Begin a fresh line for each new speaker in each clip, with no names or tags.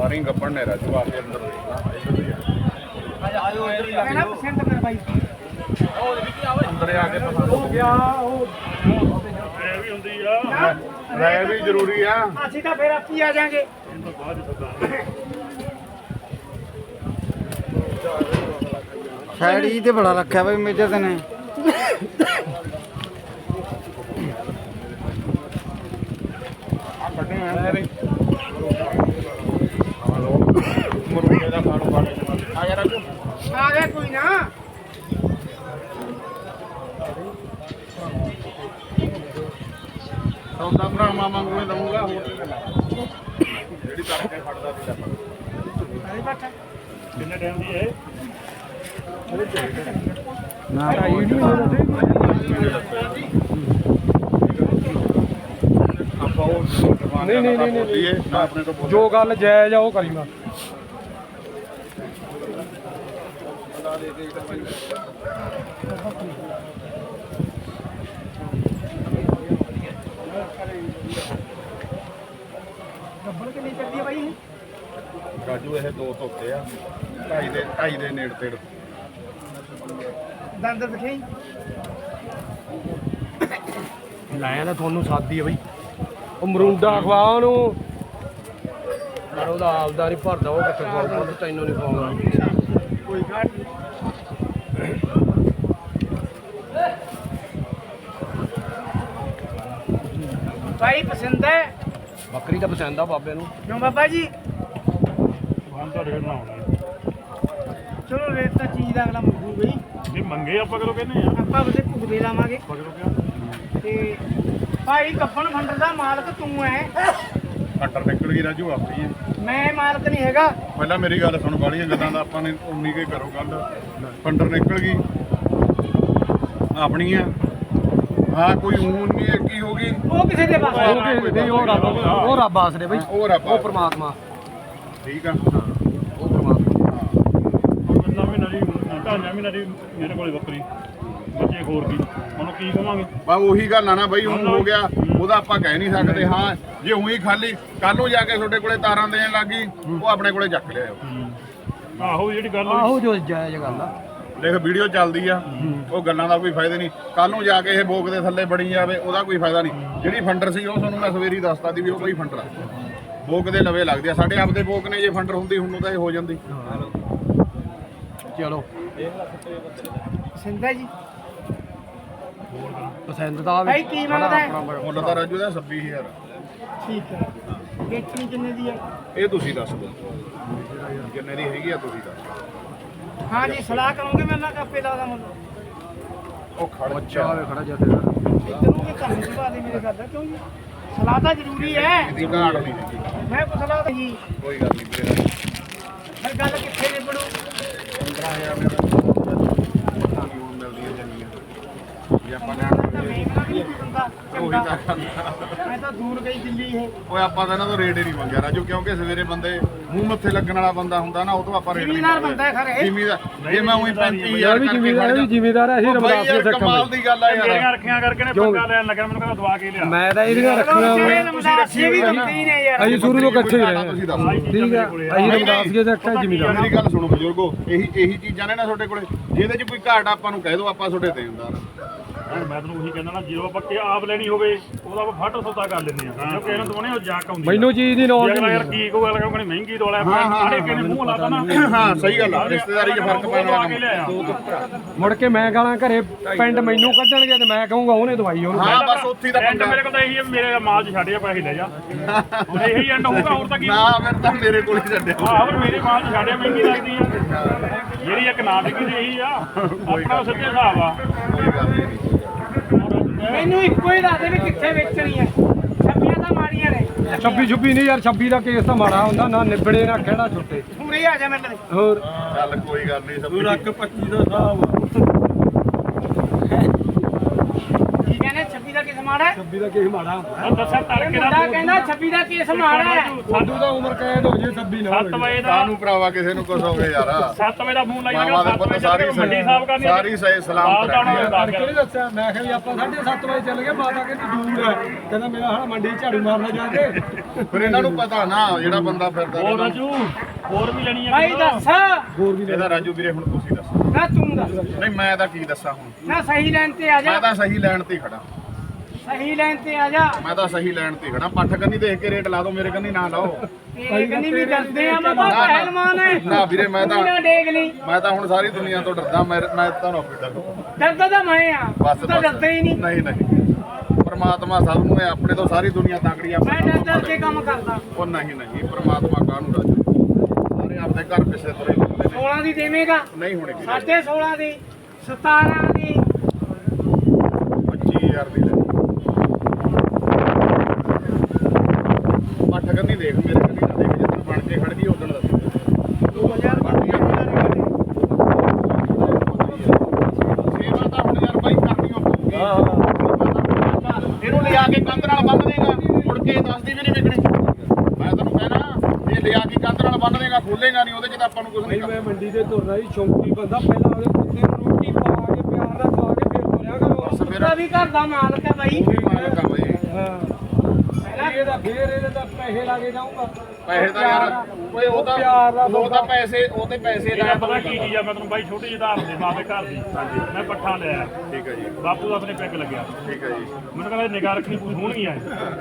ਸਾਰੀ ਗੱਪਣ ਨੇ ਰਾਜੂ ਆ ਕੇ ਅੰਦਰ
ਆਇਓ ਇੱਧਰ ਹੀ ਆ ਪਸੰਦ ਕਰ ਬਾਈ
ਅੰਦਰ ਆ ਕੇ ਪਤਾ
ਹੋ ਗਿਆ ਉਹ
ਇਹ ਵੀ ਹੁੰਦੀ ਆ
ਰਹਿ ਵੀ ਜ਼ਰੂਰੀ ਆ
ਅਸੀਂ ਤਾਂ ਫੇਰ ਆਪੀ ਆ ਜਾਾਂਗੇ
ਸਾਈਡ ਤੇ ਬੜਾ ਰੱਖਿਆ ਬਈ ਮੇਜਰ ਤੇ ਨੇ
ਆ ਕੱਢੇ ਆ ਮਰੂੰਗੇ ਦਾ ਖਾਣੋ ਖਾ ਆ ਯਾਰ ਰਾਜੂ
ਆ ਗਿਆ ਕੋਈ ਨਾ
ਸੌਦਾ ਭਰਾ ਮਾਮਾ ਨੂੰ ਦਊਂਗਾ ਹੋਰ ਜਿਹੜੀ ਕਰਕੇ ਫੜਦਾ ਸੀ
ਅਰੇ ਬੱਟਾ
ਕਿੰਨੇ ਟਾਈਮ ਦੀ ਹੈ
ਨਾ ਰਾਈ ਨਹੀਂ
ਆਪਾਂ ਉਹ ਨਹੀਂ ਨਾ ਆਪਣੇ ਤੋਂ
ਜੋ ਗੱਲ ਜਾਇਜ਼ ਆ ਉਹ ਕਰੀ ਮੈਂ
ਗੱਬੜ ਕਿੰਨੀ ਚੱਲਦੀ ਹੈ ਬਾਈ ਇਹ
ਰਾਜੂ ਇਹ ਦੋ ਧੋਤੇ ਆ ਢਾਈ ਦੇ ਨੇੜ ਤੇੜ
ਦੰਦ ਦਿਖਾਈ
ਲਾਇਆ ਤਾਂ ਤੁਹਾਨੂੰ ਸਾਦੀ ਆ ਬਈ ਉਹ ਮਰੂੰਡਾ ਖਵਾ ਉਹਨੂੰ ਪਰ ਉਹਦਾ ਆਪਦਾ ਨਹੀਂ ਭਰਦਾ ਉਹ ਕਿੱਥੇ ਖਵਾਉਂਦਾ ਤੈਨੂੰ ਨਹੀਂ ਖਵਾਉਂਦਾ
ਕੋਈ ਘਾਟ ਬਾਈ ਪਸੰਦ ਹੈ
ਬੱਕਰੀ ਤਾਂ ਪਸੰਦ ਆ ਬਾਬੇ ਨੂੰ
ਕਿਉਂ ਬਾਬਾ ਜੀ
ਹਾਂ ਤਾਂ ਰੇਟ ਨਾ ਆਉਣਾ
ਚਲੋ ਰੇਟ ਤਾਂ ਚੀਜ਼ ਦਾ ਅਗਲਾ ਮੰਗੂ ਬਈ
ਜੇ ਮੰਗੇ ਆਪਾਂ ਕਦੋਂ ਕਹਿੰਦੇ ਆ
ਆਪਾਂ ਉਹਦੇ ਭੁਗਦੇ ਲਾਵਾਂਗੇ
ਪਕੜੋ ਕਿਆ
ਤੇ ਭਾਈ ਕੱਪਣ ਫੰਡਰ ਦਾ ਮਾਲਕ ਤੂੰ ਹੈ
ਫੰਡਰ ਨਿਕਲ ਗਈ ਰਾਜੂ ਆਪਣੀ ਆ
ਮੈਂ ਮਾਲਕ ਨਹੀਂ ਹੈਗਾ
ਪਹਿਲਾਂ ਮੇਰੀ ਗੱਲ ਸੁਣ ਬਾਲੀਆਂ ਗੱਲਾਂ ਦਾ ਆਪਾਂ ਨੇ ਉਨੀ ਕੇ ਕਰੋ ਗੱਲ ਫੰਡਰ ਨਿਕਲ ਗਈ ਆਪਣੀ ਆ ਹਾਂ ਕੋਈ ਊਨ ਨਹੀਂ ਕੀ ਹੋ ਗਈ
ਉਹ ਕਿਸੇ ਦੇ ਪਾਸ
ਉਹ ਕਿਸੇ ਦੇ ਉਹ ਰੱਬ ਆਸਰੇ ਬਈ
ਉਹ ਰੱਬ
ਉਹ ਪ੍ਰਮਾਤਮਾ
ਠੀਕ ਆ
ਉਹ ਪ੍ਰਮਾਤਮਾ
ਨਵੀਂ ਨਰੀ ਢਾਈਆਂ ਮਹੀਨੇ ਦੀ ਮੇਰੇ ਕੋਲੇ ਬੱਕਰੀ ਬੱਚੇ ਖੋਰ ਕੀ ਉਹਨੂੰ ਕੀ ਕਵਾਂਗੇ
ਬਾ ਉਹੀ ਗੱਲ ਆ ਨਾ ਬਈ ਹੁਣ ਹੋ ਗਿਆ ਉਹਦਾ ਆਪਾਂ ਕਹਿ ਨਹੀਂ ਸਕਦੇ ਹਾਂ ਜੇ ਉਹੀ ਖਾਲੀ ਕੱਲ ਨੂੰ ਜਾ ਕੇ ਤੁਹਾਡੇ ਕੋਲੇ ਤਾਰਾਂ ਦੇਣ ਲੱਗੀ ਉਹ ਆਪਣੇ ਕੋਲੇ ਚੱਕ ਲਿਆਓ
ਆਹੋ ਜਿਹੜੀ ਗੱਲ ਹੋਈ
ਆਹੋ ਜੋ ਜਾਇਜ਼ ਗੱਲ ਆ
ਦੇਖ ਵੀਡੀਓ ਚੱਲਦੀ ਆ ਉਹ ਗੱਲਾਂ ਦਾ ਕੋਈ ਫਾਇਦਾ ਨਹੀਂ ਕੱਲ ਨੂੰ ਜਾ ਕੇ ਇਹ ਬੋਕ ਦੇ ਥੱਲੇ ਬਣੀ ਜਾਵੇ ਉਹਦਾ ਕੋਈ ਫਾਇਦਾ ਨਹੀਂ ਜਿਹੜੀ ਫੰਡਰ ਸੀ ਉਹ ਤੁਹਾਨੂੰ ਮੈਂ ਸਵੇਰੀ ਦੱਸਤਾ ਦੀ ਵੀ ਉਹ ਕੋਈ ਫੰਡਰ ਆ ਬੋਕ ਦੇ ਲਵੇ ਲੱਗਦੇ ਆ ਸਾਡੇ ਆਪਦੇ ਬੋਕ ਨੇ ਜੇ ਫੰਡਰ ਹੁੰਦੀ ਹੁਣ ਤਾਂ ਇਹ ਹੋ ਜਾਂਦੀ
ਚਲੋ
ਪਸੰਦ ਹੈ ਜੀ
ਪਸੰਦ ਤਾਂ
ਭਾਈ ਕੀ ਮੰਗਦਾ ਹੈ?
ਮੁੱਲ ਤਾਂ ਰਾਜੂ ਦਾ 26000
ਠੀਕ ਹੈ ਵੇਚਣੀ ਕਿੰਨੇ ਦੀ ਹੈ
ਇਹ ਤੁਸੀਂ ਦੱਸ ਦਿਓ ਕਿੰਨੇ ਦੀ ਹੈਗੀ ਆ ਤੁਸੀਂ ਦੱਸ
ਹਾਂ ਜੀ ਸਲਾਹ ਕਰੋਗੇ ਮੈਂ ਨਾ ਕਾਪੇ ਲਾਦਾ ਮੁੱਲ
ਉਹ ਖੜ
ਬੱਚਾ ਵੇ ਖੜਾ ਜੱਥੇ
ਇਧਰੋਂ ਵੀ ਕੰਮ ਸੁਭਾ ਦੇ ਮੇਰੇ ਕਰਦਾ ਕਿਉਂ ਜੀ ਸਲਾਹ ਤਾਂ ਜ਼ਰੂਰੀ ਹੈ
ਇਹਦੀ ਘਾੜ ਨਹੀਂ ਹੈਗੀ
ਮੈਂ ਪੁੱਛ ਲਾ ਜੀ
ਕੋਈ ਗੱਲ ਨਹੀਂ ਵੀਰੇ
ਫਿਰ ਗੱਲ ਕਿੱਥੇ ਨਿਬੜੂ
15000 ਮੇਰਾ ਮਿਲਦੀਆਂ ਜੰਗੀਆਂ ਜੇ ਆਪਾਂ ਲੈਣ
ਤਾਂ ਵੇਖਣਾ ਵੀ ਨਹੀਂ ਬੰਦਾ
ਉਹੀ
ਚੰਗਾ
ਤਾਂ ਗੱਲ।
ਮੈਂ ਤਾਂ ਦੂਰ ਗਈ ਦਿੱਲੀ ਇਹ
ਓਏ ਆਪਾਂ ਤਾਂ ਇਹਨਾਂ ਤੋਂ ਰੇਟ ਹੀ ਨਹੀਂ ਮੰਗਿਆ ਰਾਜੂ ਕਿਉਂਕਿ ਸਵੇਰੇ ਬੰਦੇ ਮੂੰਹ ਮੱਥੇ ਲੱਗਣ ਵਾਲਾ ਬੰਦਾ ਹੁੰਦਾ ਨਾ ਉਹ ਤੋਂ ਆਪਾਂ ਰੇਟ ਨਹੀਂ
ਜ਼ਿਮੀਦਾਰ ਬੰਦਾ ਹੈ ਖਰੇ
ਜ਼ਿਮੀਦਾਰ ਜੇ ਮੈਂ ਉਹੀ 35000
ਯਾਰ ਵੀ ਜ਼ਿਮੀਦਾਰ ਵੀ ਜ਼ਿਮੀਦਾਰ ਐ ਅਸੀਂ ਰਮਦਾਸ ਦੇ ਸਿੱਖ
ਕਮਾਲ ਦੀ ਗੱਲ ਆ
ਜਿਹੜੀਆਂ
ਯਾਰ
ਰੱਖੀਆਂ ਕਰਕੇ ਨੇ ਪੰਗਾ ਲੈਣ ਲੱਗਾ ਮੈਨੂੰ ਕਹਿੰਦਾ ਦਵਾ ਕੇ ਲਿਆ
ਮੈਂ ਤਾਂ ਇਹਦੀਆਂ ਰੱਖੀਆਂ
ਅਸੀਂ ਵੀ ਦਿੱਤੀ ਨੇ ਯਾਰ
ਅਸੀਂ ਸ਼ੁਰੂ ਤੋਂ ਇਕੱਠੇ ਹੀ ਰਹੇ
ਤੁਸੀਂ ਦੱਸੋ
ਠੀਕ ਆ ਅਸੀਂ ਰਮਦਾਸ ਦੇ ਸਿੱਖ ਆ ਜ਼ਿਮੀਦਾਰ
ਮੇਰੀ ਗੱਲ ਸੁਣੋ ਬਜ਼ੁਰਗੋ ਇਹੀ ਚੀਜ਼ਾਂ ਨੇ ਨਾ ਤੁਹਾਡੇ ਕੋਲੇ ਜਿਹਦੇ 'ਚ ਕੋਈ ਘਾਟ ਆਪਾਂ ਨੂੰ ਕਹਿ ਦਿਓ ਆਪਾਂ ਤੁਹਾਡੇ ਦੇਣਦਾਰ
ਮੈਂ ਤੈਨੂੰ ਉਹੀ ਕਹਿੰਦਾ ਨਾ ਜਦੋਂ ਆਪਾਂ ਕਿ ਆਪ ਲੈਣੀ ਹੋਵੇ ਉਹਦਾ ਆਪਾਂ ਫੱਟ ਸੌਦਾ ਕਰ ਲੈਂਦੇ ਆ ਕਿਉਂਕਿ ਇਹਨਾਂ ਤੋਂ ਉਹ ਜਾਕ ਆਉਂਦੀ
ਮੈਨੂੰ ਚੀਜ਼ ਦੀ ਨੌਲੇਜ
ਯਾਰ ਕੀ ਕੋ ਗੱਲ ਕਹਿੰਦੇ ਮਹਿੰਗੀ ਦੋਲਾ ਆਪਣੇ ਕਿਹਨੇ ਮੂੰਹ ਲਾਤਾ ਨਾ
ਹਾਂ ਸਹੀ ਗੱਲ ਆ ਰਿਸ਼ਤੇਦਾਰੀ 'ਚ ਫਰਕ ਪੈਣ ਵਾਲਾ
ਕੇ ਲਿਆ
ਮੁੜ ਕੇ ਮੈਂ ਗਾਲਾਂ ਘਰੇ ਪਿੰਡ ਮੈਨੂੰ ਕੱਢਣਗੇ ਤੇ ਮੈਂ ਕਹੂੰਗਾ ਉਹਨੇ ਦਵਾਈ ਉਹਨੂੰ
ਹਾਂ ਬਸ ਉੱਥੇ ਦਾ
ਐਂਡ ਮੇਰੇ ਕੋਲ ਤਾਂ ਇਹੀ ਹੈ ਮੇਰੇ ਮਾਲ ਚ ਛੱਡ ਜਾ ਪੈਸੇ ਲੈ ਜਾ ਹੁਣ ਇਹੀ ਐਂਡ ਹੋਊਗਾ ਹੋਰ ਤਾਂ ਕੀ
ਨਾ ਫਿਰ ਤਾਂ ਮੇਰੇ ਕੋਲ ਹੀ ਛੱਡਿਓ
ਆਹ ਪਰ ਮੇਰੇ ਮਾਲ ਚ ਛੱਡਿਆ ਮਹਿੰਗੀ ਲੱਗਦੀ ਆ ਜਿਹੜੀ ਇੱਕ ਨਾ ਵਿਕੀ ਦੀ ਇਹੀ ਆ ਆਪਣਾ ਸਿੱਧੇ ਹਿਸਾਬ ਆ
ਕੋਈ ਗੱਲ ਨਹੀਂ
ਮੈਨੂੰ ਇੱਕੋ ਹੀ ਦੱਸ ਦੇ ਵੀ ਕਿੱਥੇ ਵੇਚਣੀ ਹੈ ਛੱਬੀਆਂ ਤਾਂ ਮਾਰੀਆਂ ਨੇ
26 ਨਹੀਂ ਯਾਰ 26 ਦਾ ਕੇਸ ਤਾਂ ਮਾੜਾ ਹੁੰਦਾ ਨਾ ਨਿਬੜੇ ਨਾ ਕਿਹੜਾ ਛੁੱਟੇ
ਪੂਰੇ ਆ ਜਾ ਮੇਰੇ ਲਈ
ਹੋਰ
ਚੱਲ ਕੋਈ ਗੱਲ ਨਹੀਂ ਸਭ
ਰੱਖ 25 ਦਾ ਹਿਸਾਬ
ਠੀਕ ਹੈ ਨਾ 26 ਦਾ ਕਿਸ ਮਾੜਾ ਹੈ?
26 ਦਾ ਕੇਸ ਮਾੜਾ
ਉਹ ਦੱਸਿਆ
ਇਹ
ਤੜਕੇ
ਮੁੰਡਾ ਕਹਿੰਦਾ 26 ਦਾ ਕੇਸ ਮਾੜਾ ਹੈ।
ਸਾਡੂ ਦਾ ਉਮਰ ਕੈਦ ਹੋ ਜੇ 26 ਨਾ
7 ਵਜੇ ਦਾ
ਕਾਹਨੂੰ ਭਰਾਵਾ ਕਿਸੇ ਨੂੰ ਕੁਝ ਹੋਵੇ ਯਾਰ
7 ਵਜੇ ਦਾ ਫੋਨ ਲਾਈ
ਮਾਵਾ ਦੇ ਪੁੱਤ ਸਾਰੀ
ਮੰਡੀ ਸਾਹਿਬ ਕਰਨੀ
ਸਾਰੀ ਸਲਾਮਤ ਰਹਿਣੀ ਆ।
ਕਿਹਨੇ ਦੱਸਿਆ ਮੈਂ ਕਿਹਾ ਵੀ ਆਪਾਂ 7:30 ਵਜੇ ਚੱਲ ਗਏ ਮਾਤਾ ਕਹਿੰਦੀ ਦੂਰ ਹੈ ਕਹਿੰਦਾ ਮੇਰਾ ਹਾਲਾ ਮੰਡੀ 'ਚ ਝਾੜੂ ਮਾਰਨਾ ਜਾ ਕੇ
ਫਿਰ ਇਹਨਾਂ ਨੂੰ ਪਤਾ ਨਾ ਜਿਹੜਾ ਬੰਦਾ ਫਿਰਦਾ
ਹੋਰ
ਰਹਿੰਦਾ।
ਰਾਜੂ ਹੋਰ ਵੀ ਲੈਣੀ
ਭਾਈ ਦੱਸ
ਹੋਰ ਵੀ
ਇਹਦਾ ਰਾਜੂ ਵੀਰੇ ਹੁਣ ਤੁਸੀਂ ਦੱਸੋ।
ਨਾ ਤੂੰ ਦੱਸ
ਨਹੀਂ ਮੈਂ ਤਾਂ ਕੀ ਦੱਸਾਂ ਹੁਣ,
ਨਾ ਸਹੀ ਲਾਈਨ ਤੇ ਆ ਜਾ
ਮੈਂ ਤਾਂ ਸਹੀ ਲੈਣ ਤੇ ਹੀ ਖੜਾ।
ਸਹੀ ਲਾਈਨ ਤੇ ਆ ਜਾ
ਮੈਂ ਤਾਂ ਸਹੀ ਲੈਣ ਤੇ ਖੜਾ। ਪੱਠ ਕੰਨੀ ਦੇਖ ਕੇ ਰੇਟ ਲਾ ਦਿਓ, ਮੇਰੇ ਕੰਨੀ ਨਾ ਲਾਓ।
ਤੇਰੇ ਕੰਨੀ ਵੀ ਡਰਦੇ ਆ ਬਾਬਾ ਪਹਿਲਵਾਨ ਹੈ
ਨਾ ਵੀਰੇ ਮੈਂ ਤਾਂ
ਨਾ ਡੇਗ ਲਈ
ਮੈਂ ਤਾਂ ਹੁਣ ਸਾਰੀ ਦੁਨੀਆ ਤੋਂ ਡਰਦਾ। ਮੈਂ ਤੁਹਾਨੂੰ ਆਪੇ ਡਰਦਾ।
ਡਰਦਾ ਤਾਂ ਮੈਂ ਆ
ਬਸ
ਤੂੰ ਤਾਂ ਡਰਦਾ ਹੀ ਨਹੀਂ
ਨਹੀਂ ਨਹੀਂ ਪਰਮਾਤਮਾ ਸਭ ਨੂੰ ਹੈ, ਆਪਣੇ ਤੋਂ ਸਾਰੀ ਦੁਨੀਆ ਤਾਕੜੀ ਆ।
ਮੈਂ ਡਰ ਡਰ ਕੇ ਕੰਮ ਕਰਦਾ
ਉਹ ਨਹੀਂ ਪਰਮਾਤਮਾ ਕਾਹਨੂੰ ਰਾਜੂ, ਸਾਰੇ ਆਪਣੇ ਘਰ ਪਿੱਛੇ ਤੁਰੇ ਫਿਰਦੇ ਨੇ।
16 ਦੀ ਦੇਵੇਂਗਾ
ਨਹੀਂ ਹੋਣੇ
16.5 ਦੀ 17 ਦੀ
25,000 ਦੀ ਲੈ ਪੱਠ ਕੰਨੀ ਦੇਖ, ਮੇਰੇ ਕੰਨੀ ਨਾ ਦੇਖ। ਜਦੋਂ ਬਣ ਕੇ ਖੜ ਗਈ ਉਦੋਂ ਦੱਸ
2000
ਸੇਵਾ ਤਾਂ ਹੁਣ ਯਾਰ ਬਾਈ ਕਰਨੀ ਹੋਊਗੀ। ਇਹਨੂੰ ਲਿਆ ਕੇ ਕੰਧ ਨਾਲ ਬੰਨ ਦੇਗਾ, ਮੁੜ ਕੇ ਦੱਸਦੀ ਵੀ ਨਹੀਂ ਵਿਕਣੀ। ਮੈਂ ਤੈਨੂੰ ਕਹਿਣਾ ਇਹ ਲਿਆ ਕੇ ਕੰਧ ਨਾਲ ਬੰਨ ਦੇਗਾ, ਖੋਲੇਗਾ ਨਹੀਂ, ਉਹਦੇ ਚ ਤਾਂ ਆਪਾਂ ਨੂੰ ਕੁਝ ਨਹੀਂ
ਮੈਂ ਮੰਡੀ ਤੇ ਤੁਰਨਾ ਸੀ ਸ਼ੌਂਕੀ ਬੰਦਾ ਪਹਿਲਾਂ ਉਹਦੇ ਕੁੱਤੇ ਨੂੰ ਰੋਟੀ ਪਾ ਕੇ ਪਿਆਰ ਨਾਲ ਖਵਾ ਕੇ ਫਿਰ ਤੁਰਿਆ ਕਰੋ
ਉਹਦਾ ਵੀ ਘਰ ਦਾ ਮਾਲਕ ਹੈ ਬਾਈ
ਮਾਲਕ ਆ ਬਾਈ।
ਪਹਿਲਾਂ ਇਹਦਾ ਫੇਰ ਇਹਦੇ ਤਾਂ ਪੈਸੇ ਲਾ ਕੇ ਜਾਊਂਗਾ
ਪੈਸੇ ਤਾਂ ਯਾਰ ਓਏ ਉਹ ਤਾਂ ਪੈਸੇ ਉਹ ਤੇ ਪੈਸੇ
ਇਹਦਾ
ਦਾ
ਪਤਾ ਕੀ ਚੀਜ਼ ਆ, ਮੈਂ ਤੁਹਾਨੂੰ ਬਾਈ ਛੋਟੀ ਜਿਹੀ ਧਾਰ ਦੇ ਬਾਬੇ ਘਰ ਦੀ ਮੈਂ ਪੱਠਾ ਲਿਆ
ਠੀਕ ਹੈ ਜੀ,
ਬਾਪੂ ਦਾ ਆਪਣੇ ਪੈਗ ਲੱਗਿਆ
ਠੀਕ ਹੈ ਜੀ,
ਮੈਨੂੰ ਕਹਿੰਦਾ ਨਿਗਾਹ ਰੱਖਣੀ ਪੂਰੀ ਹੋਣਗੀਆਂ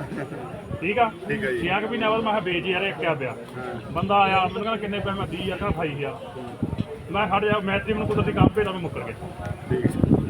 ਠੀਕ ਆ
ਠੀਕ ਹੈ ਜੀ।
6 ਮਹੀਨੇ ਬਾਅਦ ਮੈਂ ਕਿਹਾ ਵੇਚ ਯਾਰ ਇੱਕ ਕਿਆ ਪਿਆ ਬੰਦਾ ਆਇਆ ਮੈਨੂੰ ਕਹਿੰਦਾ ਕਿੰਨੇ ਪੈਸੇ? ਮੈਂ 20,000 ਕਹਿੰਦਾ 28,000 ਮੈਂ ਖੜ ਜਾ ਮੈਚ ਮੈਨੂੰ ਕੁਦਰਤੀ ਕੰਮ ਭੇਜਦਾ ਮੈਂ ਮੁੱਕਰ ਗਿਆ।
ਠੀਕ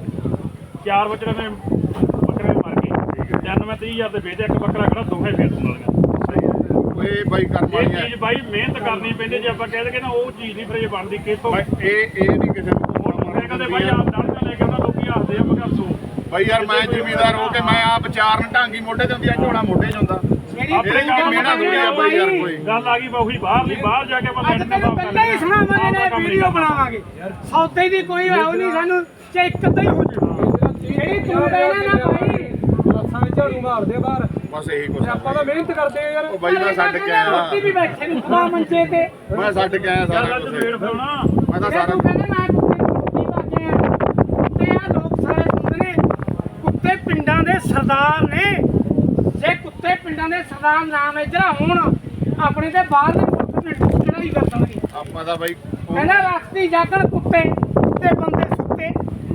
ਹੈ
4 ਬੱਚੇ ਨੇ ਬੱਕਰੇ ਮਰ ਗਏ। ਤਿੰਨ ਮੈਂ 30,000 ਦੇ ਵੇਚਿਆ, ਇੱਕ ਬੱਕਰਾ ਖੜਾ ਦੋਹੇ ਫੇਰ ਸੁਣ ਲਈਆਂ।
ਸਹੀ ਹੈ। ਓਏ ਬਾਈ ਕਰਮ
ਇਹ
ਵਾਲੀ ਹੈ
ਚੀਜ਼ ਬਾਈ ਮਿਹਨਤ ਕਰਨੀ ਪੈਂਦੀ। ਜੇ ਆਪਾਂ ਕਹਿ ਦਈਏ ਨਾ ਉਹ ਚੀਜ਼ ਨਹੀਂ ਫਿਰ ਇਹ ਬਣਦੀ ਕਿਥੋਂ।
ਬਾਈ ਇਹ ਨਹੀਂ ਕਿਸੇ ਨੂੰ
ਮੈਂ ਕਹਿੰਦੇ ਬਾਈ ਆਪ ਡਾਂਗਾ ਲੈ ਕੇ ਉਹਨਾਂ ਲੋਕੀ ਹੱਸਦੇ ਆ ਮੈਂ ਕਿਹਾ ਸੋ
ਬਾਈ ਯਾਰ ਮੈਂ ਜ਼ਿਮੀਦਾਰ ਹੋ ਕੇ ਮੈਂ ਆਪ ਚਾਰਨ ਢਾਂਗੀ ਮੋਢੇ ਤੇ ਹੁੰਦੀ ਆ, ਝੋਲਾ ਮੋਢੇ 'ਚ ਹੁੰਦਾ। ਇਹਦੇ ਚ ਕੀ ਮਿਹਨਤ ਹੋਈ ਆ ਬਾਈ ਯਾਰ ਕੋਈ।
ਗੱਲ ਆ ਗਈ ਬਾਹੀ ਬਾਹਰ ਜਾ ਕੇ ਆਪਾਂ
ਅੱਜ ਤੈਨੂੰ ਪਹਿਲਾਂ ਹੀ ਸੁਣਾਵਾਂਗੇ ਨਾ ਵੀਡੀਓ ਬਣਾਵਾਂਗੇ ਸੌਦੇ ਦੀ ਕੋਈ ਆਉ ਨਹੀਂ ਸਾਨੂੰ ਚਾਹੇ ਇੱਕ ਅੱਧਾ ਹੀ ਹੋ ਜਾਵੇ ਜਿਹੜੀ ਤੂੰ ਕਹਿਣਾ ਨਾ ਭਾਈ
ਰਸਾਂ ਵਿੱਚ ਝਾੜੂ ਮਾਰਦੇ ਬਾਹਰ
ਬਸ ਇਹੀ ਕੁਛ ਆ
ਆਪਾਂ ਤਾਂ ਮਿਹਨਤ ਕਰਦੇ ਆ ਯਾਰ
ਉਹ ਬਾਈ ਮੈਂ ਛੱਡ ਕੇ ਆਇਆ,
ਰੋਟੀ ਵੀ ਬੈਠੇ ਨੂੰ ਖਵਾ ਮੰਚੇ ਤੇ
ਮੈਂ ਛੱਡ ਕੇ ਆਇਆ ਸਾਰਾ
ਚੱਲ
ਕੁਝ।
ਅੱਜ ਵੇੜ ਫੜਾਉਣਾ
ਮੈਂ ਤਾਂ
ਇਹ
ਸਾਰਾ
ਤੂੰ ਕਹਿੰਦਾ ਮੈਂ ਕੁੱਤੇ ਬਾਕੇ ਆ ਕੁੱਤੇ ਆ ਲੋਕ ਸਾਰੇ ਸੁਣਦੇ ਨੇ ਕੁੱਤੇ ਪਿੰਡਾਂ ਦੇ ਸਰਦਾਰ ਨੇ ਜੇ ਕੁੱਤੇ ਪਿੰਡਾਂ ਦੇ ਸਰਦਾਰ ਨਾਮ ਇਧਰ ਹੋਣ ਆਪਣੇ ਤੇ ਬਾਹਰ ਦੇ ਚੜਾਈ ਕਰ ਦੇਣਗੇ।
ਆਪਾਂ ਦਾ ਬਾਈ
ਕਹਿੰਦਾ ਰਾਤੀ ਜਾਗਣ ਕੁੱਤੇ ਤੇ ਬੰਦੇ ਸੁੱਤੇ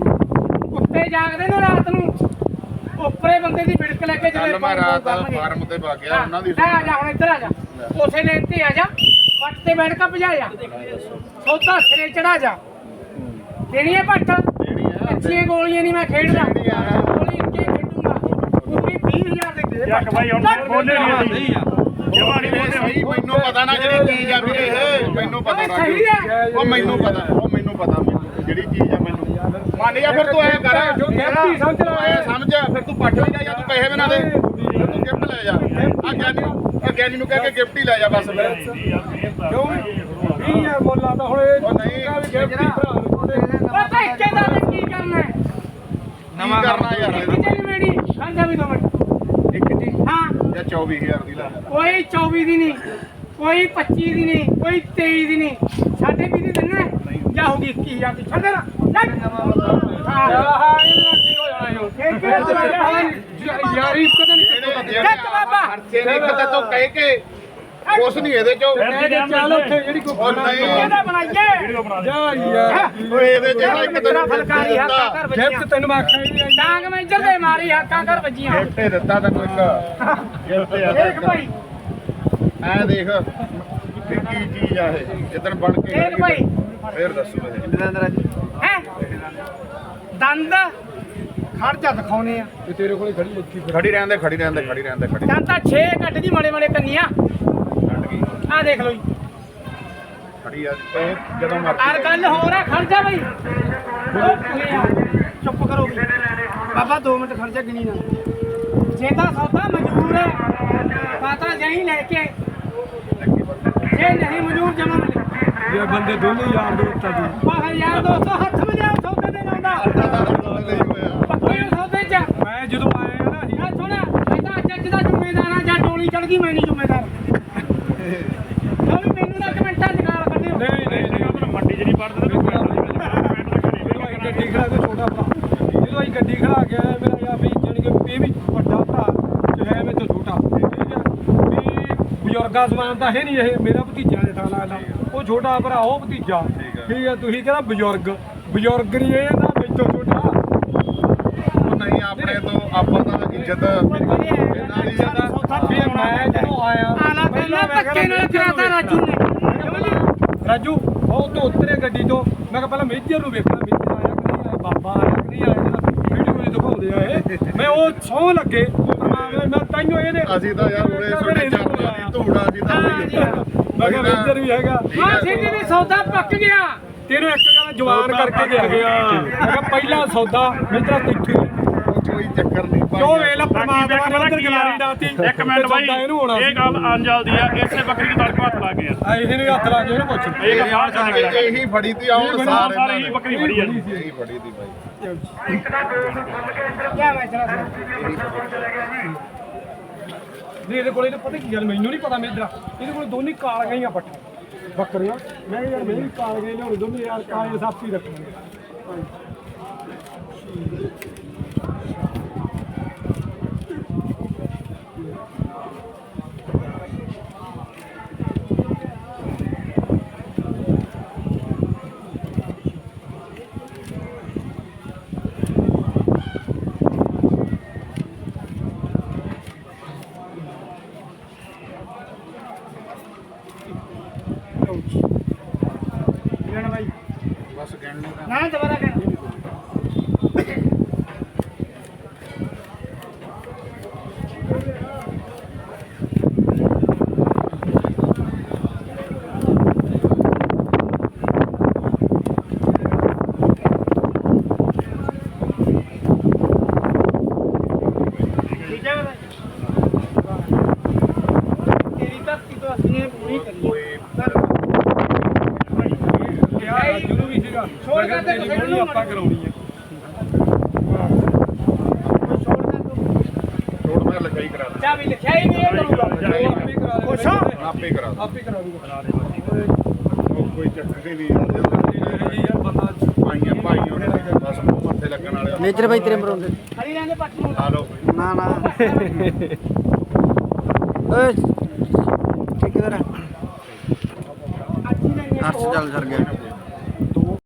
ਕੁੱਤੇ ਜਾਗਦੇ ਨੇ ਰਾਤ ਨੂੰ ਉੱਪਰੇ ਬੰਦੇ ਦੀ ਵਿੜਕ ਲੈ ਕੇ
ਕੱਲ ਮੈਂ ਰਾਤ ਫਾਰਮ ਤੇ ਪਾ ਗਿਆ ਉਹਨਾਂ ਦੀ
ਆ ਜਾ ਹੁਣ ਇੱਧਰ ਆ ਜਾ ਉਸੇ ਨੇ ਇੱਥੇ ਆ ਜਾ ਪੱਟ ਤੇ ਬੈਠ ਕੇ ਭਜਾਇਆ ਸੌਦਾ ਸਿਰੇ ਚੜਾ ਜਾ ਦੇਣੀ ਹੈ ਪੱਟ ਅੱਛੀਆਂ ਗੋਲੀਆਂ ਨਹੀਂ ਮੈਂ ਖੇਡਦਾ ਗੋਲੀ ਇੱਕੇ ਖੇਡੂੰਗਾ ਪੂਰੀ 20,000 ਦੇ ਦੇ
ਚੱਕ ਬਾਈ ਹੁਣ ਬੋਲੇ ਨਹੀਂ ਜਵਾਨੀ ਬੋਲੇ
ਸਹੀ ਮੈਨੂੰ ਪਤਾ ਨਾ ਜਿਹੜੀ ਚੀਜ਼ ਆ ਵੀਰੇ ਇਹ ਮੈਨੂੰ ਪਤਾ ਨਾ
ਸਹੀ ਹੈ
ਉਹ ਮੈਨੂੰ ਪਤਾ ਜਿਹੜੀ ਚੀਜ਼ ਆ ਮੈਨੂੰ ਮੰਨ ਜਾ ਫਿਰ ਤੂੰ ਐ ਕਰ
ਗਿਫਟੀ ਸਮਝ ਲੈ
ਐ ਸਮਝ ਫਿਰ ਤੂੰ ਪੱਠ ਵੀ ਲੈ ਜਾ, ਤੂੰ ਪੈਸੇ ਵੀ ਨਾ ਦੇ, ਫਿਰ ਤੂੰ ਗਿਫਟ ਲੈ ਜਾ। ਆ ਗਿਆਨੀ ਨੂੰ ਕਹਿ ਕੇ ਗਿਫਟ ਹੀ ਲੈ ਜਾ ਬਸ ਫਿਰ।
ਕਿਉਂ 20,000 ਮੁੱਲ ਆਦਾ ਹੁਣ ਇਹ
ਉਹ ਨਹੀਂ
ਗਿਫਟੀ ਭਰਾ ਨੂੰ ਤੁਹਾਡੇ
ਪਤਾ ਇੱਕੇ ਦਾ ਕੀ ਕਰਨਾ ਹੈ
ਨਵਾਂ ਕਰਨਾ ਯਾਰ
ਇੱਕ ਚੱਲ ਮੇੜੀ ਖਾਂਦਾ ਵੀ ਦੋ ਮਿੰਟ
ਇੱਕ ਜੀ
ਹਾਂ
ਜਾਂ 24,000 ਦੀ ਲਾ
ਕੋਈ 24 ਦੀ ਨਹੀਂ ਕੋਈ 25 ਦੀ ਨਹੀਂ ਕੋਈ 23 ਦੀ ਨਹੀਂ ਸਾਡੇ ਵੀ ਦੀ ਦਿੰਨਾ ਜਾਂ ਹੋ ਗਈ 21,000 ਦੀ ਛੱਡ ਨਾ ਹਾਂ
ਇਹਦੇ ਨਾਲ ਕੀ ਹੋ ਜਾਣਾ ਯਾਰੀ ਕਦੇ ਨਹੀਂ
ਚੱਕ ਬਾਬਾ
ਖਰਚੇ ਨੇ ਕਿਤੇ ਤੋਂ ਕਹਿ ਕੇ ਕੁਛ ਨਹੀਂ ਇਹਦੇ ਚੋਂ
ਚੱਲ ਉੱਥੇ ਜਿਹੜੀ ਕੋਈ
ਉਹ ਨਹੀਂ
ਇਹਦਾ ਬਣਾਈਏ
ਵੀਡੀਓ ਬਣਾ ਦੇ
ਜਾ ਯਾਰ
ਓਏ ਇਹਦੇ ਚ ਇੱਕ
ਤੇਰਾ ਫਲਕਾਰੀ ਹੱਥਾਂ ਕਰ
ਗਿਫਟ
ਵੱਜੀਆਂ
ਤੈਨੂੰ ਮੈਂ ਆਖਿਆ ਹੀ ਨਹੀਂ
ਡਾਂਗ ਮੈਂ ਇੱਧਰ ਦੇ ਮਾਰੀ ਹੱਥਾਂ ਕਰ ਵੱਜੀਆਂ
ਗਿਫਟ ਦਿੱਤਾ ਤੈਨੂੰ ਇੱਕ ਗਿਫਟ ਆ
ਦੇਖ ਭਾਈ
ਐ ਦੇਖ ਵੀ ਕੀ ਚੀਜ਼ ਆ ਇਹ ਜਿੱਦਣ ਬਣ ਕੇ
ਦੇਖ ਭਾਈ
ਫੇਰ ਦੱਸੂ ਇਹ
ਹੈ ਦੰਦ ਖੜ ਜਾ ਦਿਖਾਉਨੇ ਆ
ਤੇ ਤੇਰੇ ਕੋਲੇ ਖੜੀ ਲੱਗੀ
ਖੜੀ ਰਹਿਣ ਦੇ
ਦੰਦ ਤਾਂ 6 ਕੱਢ ਦੀ ਮਾੜੇ ਮਾੜੇ ਕੰਨੀਆਂ
ਛੱਡ ਗਈ
ਆ ਦੇਖ ਲਓ ਜੀ
ਖੜੀ ਆ ਇਹ ਜਦੋਂ
ਆਰ
ਮਰਜ਼ੀ
ਗੱਲ ਹੋ ਰਿਹਾ ਖੜ ਜਾ ਬਈ ਉਹ ਪੂਰੇ ਆ ਚੁੱਪ ਕਰੋ ਬਾਬਾ 2 ਮਿੰਟ ਖੜ ਜਾ ਗਿਣੀ ਨਾ ਜੇ ਤਾਂ ਸੌਦਾ ਮਜਬੂਰ ਹੈ ਪਤਾ ਜਾਈ ਲੈ ਕੇ ਜੇ ਨਹੀਂ ਮਜਬੂਰ ਜਮਾ ਮਿਲੇ
ਇਹ ਬੰਦੇ ਦੋਨੋਂ ਯਾਰ ਦੋਸਤ ਆ ਜੀ
ਬਾਹਰ ਯਾਰ ਦੋਸਤੋ ਹੱਥ ਵਜਾਓ ਸੌਦੇ ਦੇ ਨਾਲ ਦਾ ਪੱਕੇ ਸੌਦੇ ਚ
ਮੈਂ ਜਦੋਂ ਆਇਆ ਨਾ
ਆ ਬਣ ਗਈ ਮੈਂ ਨਹੀਂ ਜ਼ਿੰਮੇਦਾਰ ਉਹ ਵੀ ਮੈਨੂੰ ਨਾ ਕਮੈਂਟਾਂ 'ਚ ਗਾਲ ਕੱਢਿਓ
ਨਹੀਂ ਮੰਡੀ ਜਿਹੜੀ ਪੜਦੇ ਤੇ
ਜਦੋਂ ਅਸੀਂ ਗੱਡੀ ਖੜਾ ਕੇ ਛੋਟਾ ਭਰਾ ਜਦੋਂ ਅਸੀਂ ਗੱਡੀ ਖੜਾ ਕੇ ਆਏ ਮੇਰਾ ਯਾਰ ਵੀ ਜਾਣੀ ਕਿ ਇਹ ਵੀ ਵੱਡਾ ਭਰਾ ਜੋ ਹੈ ਮੇਰੇ ਤੋਂ ਛੋਟਾ ਠੀਕ ਹੈ ਵੀ ਬਜ਼ੁਰਗਾਂ ਸਮਾਨ ਤਾਂ ਹੈ ਨਹੀਂ ਇਹ ਮੇਰਾ ਭਤੀਜਾ ਦੇ ਥਾਂ ਲੱਗਦਾ ਉਹ ਛੋਟਾ ਭਰਾ ਉਹ ਭਤੀਜਾ ਠੀਕ ਹੈ ਤੁਸੀਂ ਕਹਿੰਦਾ ਬਜ਼ੁਰਗ ਨਹੀਂ ਇਹ ਨਾ ਮੇਰੇ ਤੋਂ ਛੋਟਾ
ਉਹ ਨਹੀਂ ਆਪਣੇ ਤੋਂ ਆਪਾਂ ਤਾਂ ਇੱਜ਼ਤ ਇਹਨਾਂ ਦੀ
ਵੀ ਮੈਂ ਜਦੋਂ ਆਇਆ
ਆਲਾ ਪਹਿਲਾਂ ਧੱਕੇ ਨਾਲ ਕਰਾਤਾ ਰਾਜੂ ਨੇ
ਰਾਜੂ ਉਹ ਤੋਂ ਉਤਰੇ ਗੱਡੀ ਤੋਂ ਮੈਂ ਕਿਹਾ ਪਹਿਲਾਂ ਮੇਜਰ ਨੂੰ ਵੇਖਣਾ ਮੇਜਰ ਆਇਆ ਕਿ ਨਹੀਂ ਆਇਆ ਬਾਬਾ ਆਇਆ ਕਿ ਨਹੀਂ ਆਇਆ ਜਿਹੜਾ ਵੀਡੀਓ ਵਿੱਚ ਦਿਖਾਉਂਦੇ ਆ ਇਹ ਮੈਂ ਉਹ ਸੌਂ ਲੱਗੇ ਮੈਂ ਤਾਈਓ ਇਹਦੇ
ਅਸੀਂ ਤਾਂ ਯਾਰ ਉਰੇ ਛੋਟੇ ਚਾਪਾ ਦੀ ਧੂੜਾ ਜੀ ਤਾਂ
ਮੈਂ ਕਿਹਾ ਮੇਜਰ ਵੀ ਹੈਗਾ
ਹਾਂ ਸਿੱਧੇ ਨੇ ਸੌਦਾ ਪੱਕ ਗਿਆ
ਤੈਨੂੰ ਇੱਕ ਗੱਲ ਜਵਾਨ ਕਰਕੇ ਦੇ ਗਿਆ ਮੈਂ ਕਿਹਾ ਪਹਿਲਾ ਸੌਦਾ ਮੇਜਰ ਤਿੱਥੀ
ਕੋਈ ਚੱਕਰ ਨਹੀਂ
ਕਿਉਂ ਵੇਲਾ ਪਰਮਾਤਮਾ ਨੇ ਅੰਦਰ ਗਲਾਰੀ ਡਾਤੀ
ਇੱਕ ਮਿੰਟ ਬਾਈ ਇਹ ਗੱਲ ਅੰਜਲ ਦੀ ਆ ਇਸੇ ਬੱਕਰੀ ਨੂੰ ਤੜਕਾ ਹੱਥ ਲਾ ਗਿਆ
ਆ ਇਹਨੇ ਹੱਥ ਲਾ ਕੇ ਇਹਨੂੰ ਪੁੱਛ
ਇਹ ਗੱਲ ਬਾਹਰ ਚੱਲ ਗਿਆ
ਇਹੀ ਫੜੀ ਤੀ ਆਉਣ
ਸਾਰੇ
ਸਾਰੇ
ਇਹ ਬੱਕਰੀ ਬੜੀ ਆ ਜੀ
ਇਹੀ ਫੜੀ ਤੀ ਬਾਈ
ਕਿਆ ਮੈਂ ਚਲਾ
ਨਹੀਂ ਇਹਦੇ ਕੋਲ ਇਹਨੂੰ ਪਤਾ ਕੀ ਗੱਲ ਮੈਨੂੰ ਨਹੀਂ ਪਤਾ ਮੇਜਰਾ ਇਹਦੇ ਕੋਲ ਦੋਨੇ ਕਾਲ ਗਈਆਂ ਪੱਠਾ ਬੱਕਰੀਆਂ ਮੈਂ ਕਿਹਾ ਯਾਰ ਮੇਰੀ ਕਾਲ ਗਈ ਲਿਆਉਣੀ ਦੋਨੇ ਯਾਰ ਕਾਲੇ ਸਾਫੀ ਰੱਖਣਗੇ
ਬਸ ਕਹਿਣ ਨੂੰ ਤਾਂ
ਨਾ ਦੁਬਾਰਾ ਕਰ ਠੀਕ ਹੈ ਤੇਰੀ ਧਰਤੀ ਤੋਂ ਅਸੀਂ ਪੂਰੀ ਕਰੀਏ
ਕਿਹਾ ਰਾਜੂ ਨੂੰ ਵੀ ਸੀਗਾ
ਛੋੜ ਕੇ ਤੇ
ਤੇਰੀ ਬੋਲੀ ਆਪਾਂ ਕਰਾਉਣੀ ਹੈ
ਛੋੜ ਮੈਂ ਲਿਖਾਈ ਕਰਾ ਦਾਂ
ਚਾਬੀ ਲਿਖਿਆ ਹੀ ਨਹੀਂ ਇਹ ਕਰੂਗਾ
ਉਹ ਆਪੇ ਕਰਾ ਦੇ
ਖੁਸ਼ ਹੋ?
ਆਪੇ ਕਰਾ ਦਾਂ
ਆਪੇ ਕਰਾ ਦੂਗਾ
ਉਹ ਕੋਈ ਚੱਕਰ ਹੀ ਨਹੀਂ ਯਾਰ ਜਦੋਂ
ਇਹ ਯਾਰ ਬੰਦਾ
ਭਾਈਆਂ ਭਾਈਆਂ ਨੇ ਬਸ ਮੂੰਹ ਮੱਥੇ ਲੱਗਣ ਵਾਲੇ
ਮੇਜਰ ਬਾਈ ਤੇਰੇ ਮਰੋਂਦੇ
ਹਰੀ ਰੰਗ ਪੱਟ ਨੂੰ
ਆ ਲਓ
ਨਾ ਨਾ ਓਏ ਠੇਕੇਦਾਰ
ਅੱਜ ਹੀ ਨਹੀਂ
ਹੱਥ ਚੱਲ ਸਰ ਗਿਆ